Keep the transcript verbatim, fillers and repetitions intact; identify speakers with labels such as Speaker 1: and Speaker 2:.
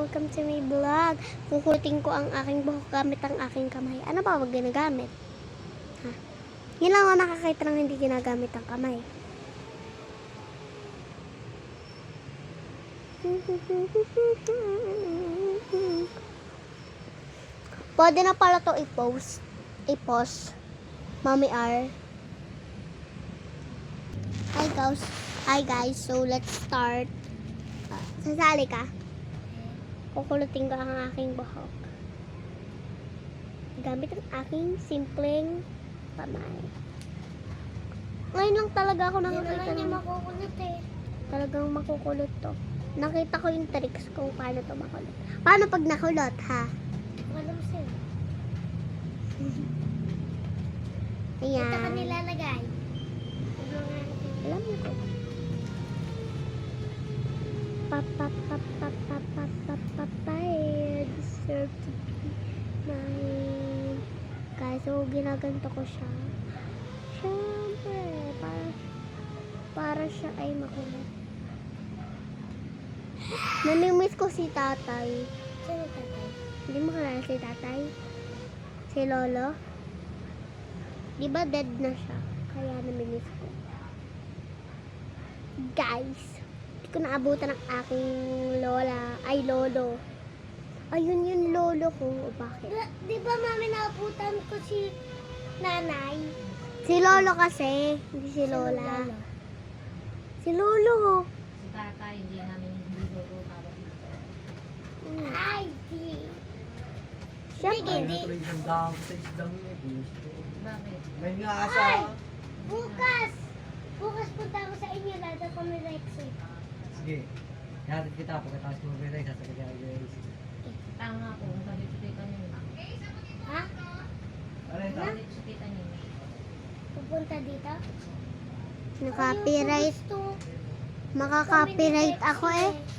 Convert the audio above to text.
Speaker 1: welcome to my vlog. Kukutin ko ang aking buhok gamit ang aking kamay. Ano pa wag ginagamit? Ha? Yan lang ako nakakita ng hindi ginagamit ang kamay. Pwede na pala to i-post. I-post. Mommy R. Hi guys. Hi guys. So let's start. Uh, sasali ka? Kukulutin ko ang aking buhok. Gamit ang aking simpleng kamay. Ngayon lang talaga ako nakakita ng makukulot eh. Talagang makukulot to. Nakita ko yung tricks kung paano to makulot. Paano pag nakulot, ha?
Speaker 2: Alam sa'yo.
Speaker 1: Ayan.
Speaker 2: Ito ka nilalagay.
Speaker 1: Alam mo ko. Pap, pap, pap, pap, pap, pap, pap, pap, I deserve to be mine. Guys, so ginaganto ko siya. Siyempre, para, para siya ay makulot. Namimiss ko si tatay.
Speaker 2: Sino tatay?
Speaker 1: Hindi mo kilala si tatay? Si lolo? Di ba dead na siya? Kaya namimiss ko. Guys, hindi ko naabutan ng aking lola. Ay, lolo. Ayun yung lolo ko. O bakit?
Speaker 2: Di, di ba mami naabutan ko si nanay?
Speaker 1: Si lolo kasi. Hindi si lola. Si lolo.
Speaker 3: Si tatay, hindi namin hindi lolo para dito.
Speaker 1: Hmm.
Speaker 2: Ay, di.
Speaker 1: Siyempre.
Speaker 2: Hindi.
Speaker 4: Tuloy isang dahon sa isdang niya. Gusto.
Speaker 3: Bakit?
Speaker 4: May nga
Speaker 2: Ay!
Speaker 4: asa.
Speaker 2: Bukas! Bukas punta ako sa inyo. Lada ko ni Rexy.
Speaker 4: Sige. Ihatid kita. Pagkatapos mo may sasakit niya guys.
Speaker 3: Tama po, sabi ko kita niyo.
Speaker 2: Ha?
Speaker 4: Ano yung
Speaker 3: Sabi ko kita niyo.
Speaker 2: Pupunta dito?
Speaker 1: Naka-copyright.
Speaker 2: Ayoko, gusto.
Speaker 1: Maka-copyright ako eh.